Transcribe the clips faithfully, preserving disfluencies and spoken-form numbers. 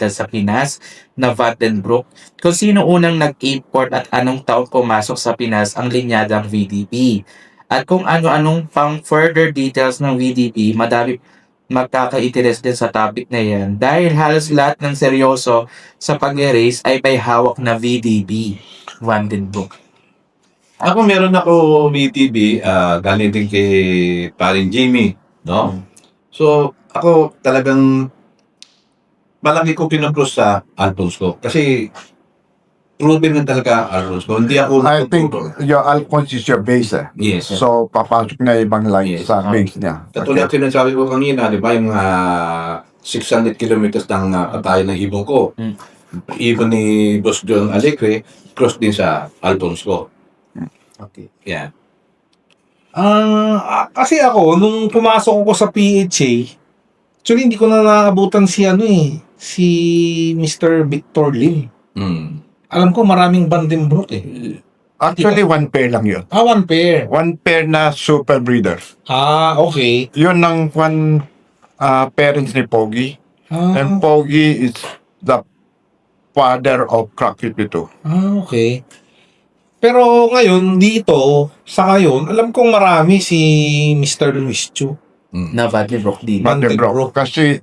capital sa Pinas na Vandenbroek, kung sino unang nag-import at anong taon pumasok sa Pinas ang linyadang V D B. At kung ano-anong pang further details ng V D B, madami magkaka-interest din sa topic na yan dahil halos lahat ng seryoso sa pag-erase ay may hawak na V D B, Vandenbroek. Ako meron ako V T B, ah, galing din kay paring Jimmy, no? So, ako talagang malaki ko pinag-cross sa albums ko. Kasi proven na talaga albums ko. Hindi ako... I think your Alphonse is your base eh. Yes. So, papasok na ibang line Yes. sa base niya. Katulad okay. Sinasabi ko kanina, di ba, yung uh, six hundred kilometers ng uh, patayan ng ibon ko. Mm. Ibon ni Boss John Alegre, cross din sa albums ko. Okay. Yeah. Ah, kasi ako, nung pumasok ako sa P H A, actually hindi ko na naabutan si ano eh, si Mister Victor Lim. Mm. Alam ko maraming Vandenbroek eh. Actually, one pair lang yun. Ah, one pair. One pair na super breeder. Ah, okay. Yun ang one uh, parents ni Pogi. Ah, And Pogi is the father of Crack fifty-two. ah, okay. Pero ngayon, dito, sa ngayon, alam kong marami si Mister Luis Chu. Mm. Na Vandenbroek din. Vandenbroek. Vandenbroek. Kasi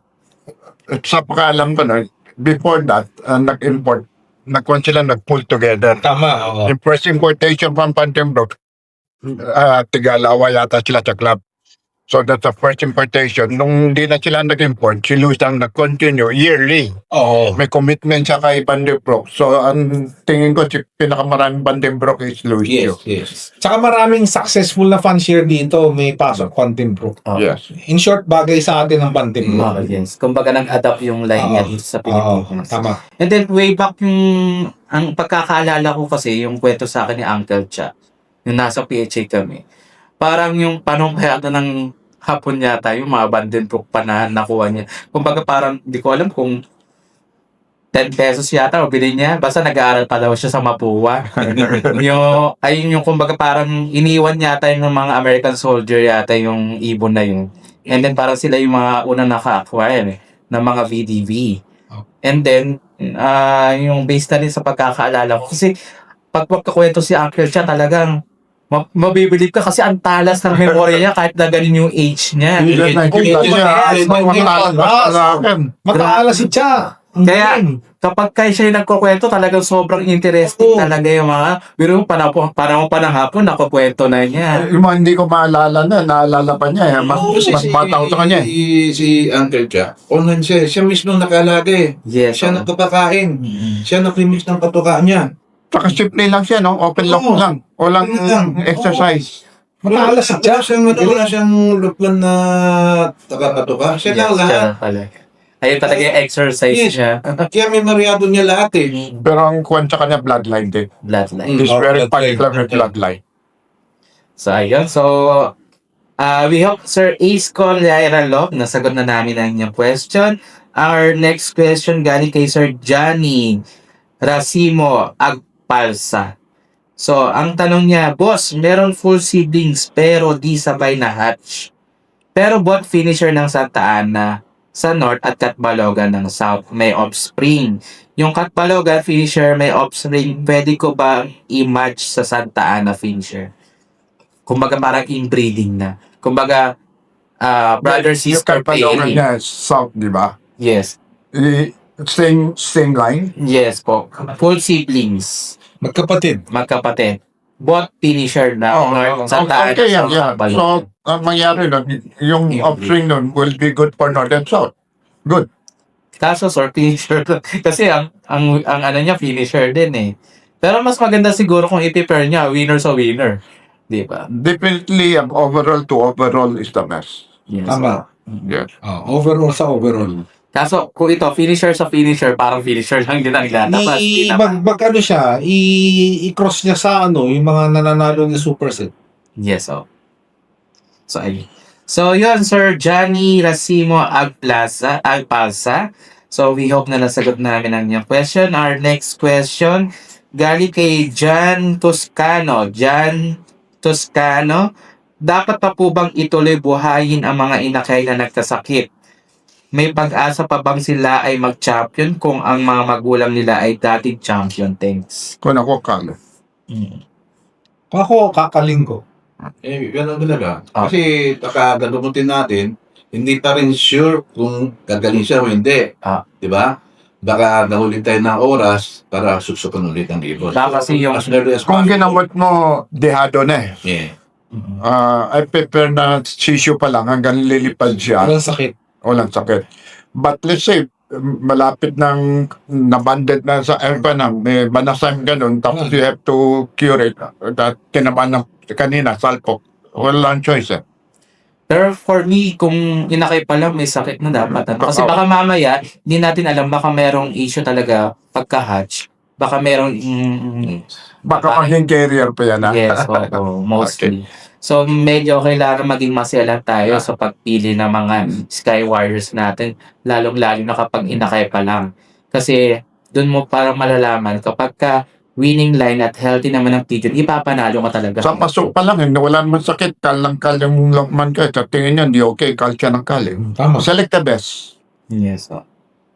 sa pagkaalam ko na, before that, uh, nag-import, nagkuhan sila nag-pull together. Tama, oo. Yung first importation from Vandenbroek, uh, Tigalawa yata sila sa club. So that's the first importation. Nung hindi na sila nag-import, si Luis ang nag-continue yearly. Oo. May commitment siya kay Vandenbroek. So ang tingin ko, si pinakamaraming Vandenbroek is Luis. Yes, Chu. yes. Tsaka maraming successful na fan share dito, may pasok Vandenbroek. Oh. Yes. In short, bagay sa atin ang Vandenbroek. Oh, yes. Kumbaga nag-adapt yung line niya Oo. dito sa Oo, Pilipinas. tama. And then way back yung ang pagkakaalala ko kasi yung kwento sa akin ni Uncle Cha, yung nasa P H A kami. Parang yung panong kaya ng hapon yata yung mga Vandenbroek pa na nakuha niya. Kumbaga parang di ko alam kung ten pesos yata o bilhin niya. Basta nag-aaral pa daw siya sa Mapua. yung, ayun yung kumbaga parang iniwan yata yung mga American soldier yata yung ibon na yun. And then parang sila yung mga unang naka-acquire eh, ng mga V D V. And then, ah yung based na rin sa pagkakaalala ko. Kasi pag magkakwento si Uncle Cha talagang ma- mabibilib ka kasi ang talas ng memorya niya kahit na ganun yung age niya. Hindi na nakikita Oo, niya. yes, Ay, may- matalas may- sa akin. Mataala si Cha. Ang Kaya, galing. kapag kayo siya yung nagkukwento, talagang sobrang interesting Oo. talaga yung mga, biro panahon, panahon pa ng hapon, nakukwento na niya. Yung mga hindi ko maalala na, naalala pa niya. Eh. Mas, Oo, kasi mas bata ko sa kanya. eh. Si, si Uncle Cha, online siya. Siya mismo nakalaga eh. Yes. Siya oo. nagpapakain. Mm. Siya naglimix ng patuka niya. Saka simple lang siya, no? Open lock Oo. lang. Walang Open lang. exercise. Mataala si Cha. Wala siyang, wala siyang luplan na takapatuka. Siya Yes, lang lahat. siya pala. Ayun talaga yung exercise Yes. niya. Kaya may maryado niya lahat eh. Pero ang kuwan sa kanya, bloodline din. Bloodline. Mm. He's Oh, very bloodline. particular with bloodline. So, ayun. So, uh, we hope Sir Ace Colyairalo, nasagot na namin ang inyong question. Our next question galing kay Sir Johnny Racimo Agpalsa. So, ang tanong niya, Boss, meron full seedlings pero di sabay na hatch. Pero bot finisher ng Santa Ana sa North at Catbalogan ng South may offspring. Yung Catbalogan finisher may offspring, pwede ko ba i-match sa Santa Ana finisher? Kumbaga parang inbreeding na. Kumbaga, ah, brother, Yung sister, Catbalogan pairing. niya, south, di ba? Yes. I- Same, same line. Yes po. Full siblings. Magkapatid. Magkapatid. Both finisher na. Oh, North, oh, Santa Ana, okay, yeah, South, yeah. Catbalogan. So, ang mangyari nun, yung Yeah. upstream nun will be good for north and south. Good. Kaso, sir, finisher. Kasi ang, ang, ang ano niya, finisher din eh. Pero mas maganda siguro kung i-prepare niya, winner sa winner. Di ba? Definitely, ang overall to overall is the best. Yes. Tama. Yes. Oh, overall sa overall. Kaso, kung ito, finisher sa finisher, parang finisher lang din ang lalabas. I, Di mag, naman. mag ano siya, i, i-cross niya sa ano, yung mga nananalo ng superset. Yes, oh. So, ayun. So, yun, Sir Johnny Racimo Agplaza, Agpalsa. So, we hope na nasagot namin ang inyong question. Our next question, galing kay John Toscano. John Toscano, dapat pa po bang ituloy buhayin ang mga inakay na nagkasakit? may pag-asa pa bang sila ay mag-champion kung ang mga magulang nila ay dating champion? Thanks. Kung ako kala. Mm. Kung ako, kakaling ko. Eh, ganun talaga. Ah. Kasi pagkagalutin natin, hindi pa rin sure kung gagaling siya o hindi. Ah. Di ba? Baka nahuli tayo ng oras para susukan ulit ang ibon. Baka kasi yung- as early as Kung possible. ginamot mo, dehado na eh. Yeah. Mm. Ah, I prepare na sisyo pa lang hanggang lilipad siya. Walang sakit. Walang sakit. But let's say, um, malapit ng nabanded na sa aircon na may banasang ganun, tapos you have to cure it. That tinamaan ng kanina, salpok. Walang choice eh. Pero for me, kung inakay pa lang, may sakit na dapat. Ano? Kasi baka mamaya, hindi natin alam, baka merong issue talaga pagka-hatch. Baka merong... Mm, Baka maging carrier pa yan ah. yes, oo, mostly. So, medyo kailangan maging masela tayo sa pagpili ng mga Sky Warriors natin, lalong-lalo na kapag inakay pa lang. Kasi, dun mo parang malalaman, kapag ka winning line at healthy naman ang pigeon, ipapanalo ka talaga. Sa pasok pa lang, hindi wala naman sakit. Kalang-kal yung lokman ka. Sa tingin niya, hindi okay. Kal siya ng kal eh. Tama. Select the best. Yes, oh.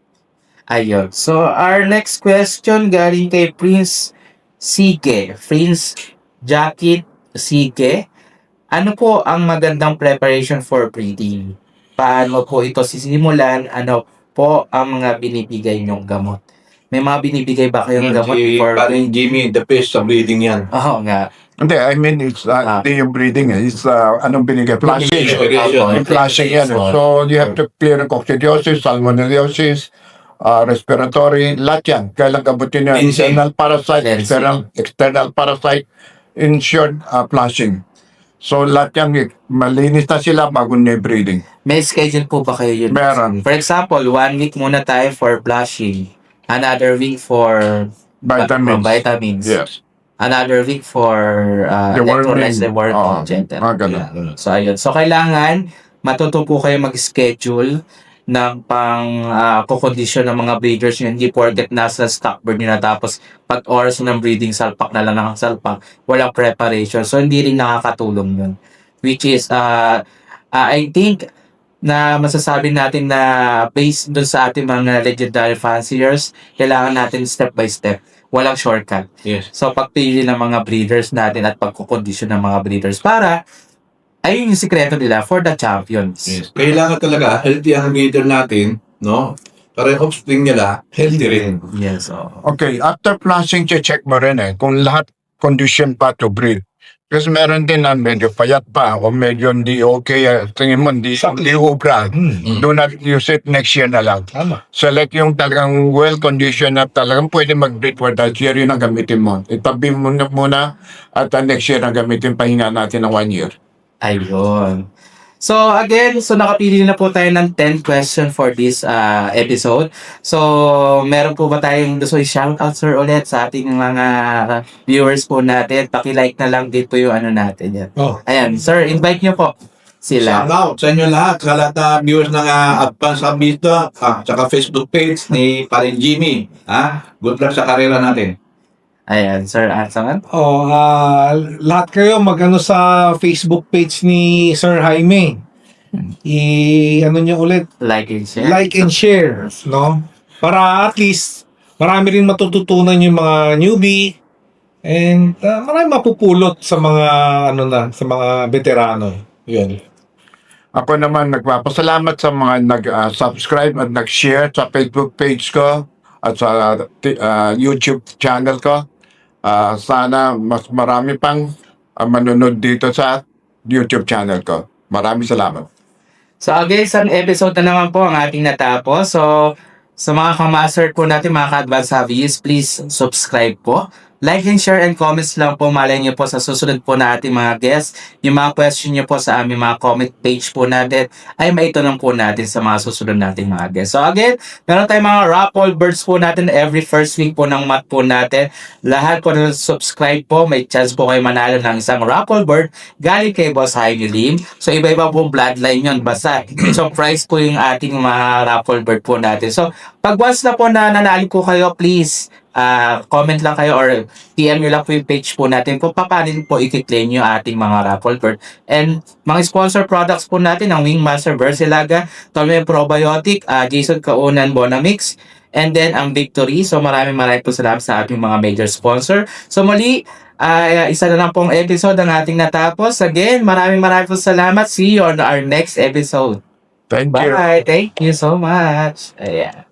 Ayun. So, our next question galing kay Prince Sige. Prince Jacket Sige. Ano po ang magandang preparation for breeding? Paano po ito sisimulan? Ano po ang mga binibigay niyong gamot? May mga binibigay ba kayong gamot Si for paring Jimmy, the best sa breeding yan. Oo nga. Hindi, I mean, it's uh, Ah. hindi yung breeding eh. It's uh, anong binigay? Flashing. Irrigation. Yung flashing yan. eh. So, you have to clear ng coccidiosis, salmonellosis, uh, respiratory, lahat yan. Kailang gabutin yan. Insane. Internal parasite, Cleansing. external, external parasite, in short, uh, flashing. So, lahat yan, eh, malinis na sila bago na yung breeding. May schedule po ba kayo yun? Meron. For example, one week muna tayo for blushing. Another week for Vitamins. vitamins. Yes. Another week for uh, Deworming. electrolytes, deworming, Oo. gentle. Mga ganun. Yeah. So, ayun. So, kailangan matuto po kayo mag-schedule ng pang uh, kukondisyon ng mga breeders nyo. Hindi porket nasa stock bird nyo na tapos pag oras ng breeding, salpak na lang ng salpak. Walang preparation. So, hindi rin nakakatulong yun. Which is, uh, uh, I think, na masasabi natin na based dun sa ating mga legendary fanciers, kailangan natin step by step. Walang shortcut. Yes. So, pagpili ng mga breeders natin at pagkukondisyon ng mga breeders para ayun yung sikreto nila for the champions. Yes. Kailangan talaga healthy ang breeder natin, no? Para yung offspring nila, healthy rin. Yes, oo. Okay, after flashing, check mo rin eh kung lahat condition pa to breed. Kasi meron din na medyo payat pa o medyo hindi okay. eh, Tingin mo, hindi, hindi ubra. Hmm. Do not use it next year na lang. Tama. Select yung talagang well-conditioned na talagang pwede mag-breed for that year, yun ang gamitin mo. Itabi mo na muna at uh, next year ang gamitin, pahinga natin ng one year. Ayun. So again, so nakapili na po tayo ng ten question for this uh, episode. So meron po ba tayong gusto i-shoutout sir ulit sa ating mga viewers po natin? Paki-like na lang din po yung ano natin yan. Oh. Ayan, sir, invite nyo po sila. Shout out sa inyo lahat, sa lahat na viewers ng uh, Advance Abito, ah, tsaka Facebook page ni Parin Jimmy. Ah, good luck sa karera natin. Ayan, sir, Ansangan. Oh, ah, lahat kayo magano sa Facebook page ni Sir Jaime. I ano niyo ulit, Like and share. like and share, no? Para at least marami rin matututunan yung mga newbie and ah, marami mapupulot sa mga ano na, sa mga veterano. 'Yun. Ako naman nagpapasalamat sa mga nag-subscribe at nag-share sa Facebook page ko at sa t- ah, YouTube channel ko. Ah, sana mas marami pang ah, manunod dito sa YouTube channel ko. Maraming salamat. So again, isang episode na naman po ang ating natapos. So sa mga kamaster po natin, mga ka-advance hobbyist, please subscribe po. Like and share and comments lang po. Malay niyo po sa susunod po na ating mga guests. Yung mga question niyo po sa aming mga comment page po natin ay maitanong po natin sa mga susunod nating mga guests. So again, meron tayong mga raffle birds po natin every first week po ng month po natin. Lahat po na subscribe po, may chance po kayo manalo ng isang raffle bird galing kay Boss Jaime Lim. So iba-iba pong bloodline yun. Basta, so price po yung ating mga raffle bird po natin. So pag once na po na nanalo ko kayo, please, ah comment lang kayo or P M nyo lang po yung page po natin kung paano po i-claim yung ating mga raffle card. And mga sponsor products po natin, ang Wingmaster Versilaga, Tolme Probiotic, ah Jason Kaunan Bonamix, and then ang Victory. So maraming maraming po salamat sa ating mga major sponsor. So muli, ah isa na lang pong episode ang ating natapos. Again, maraming maraming po salamat. See you on our next episode. Thank you. Bye. Thank you so much. Ayan.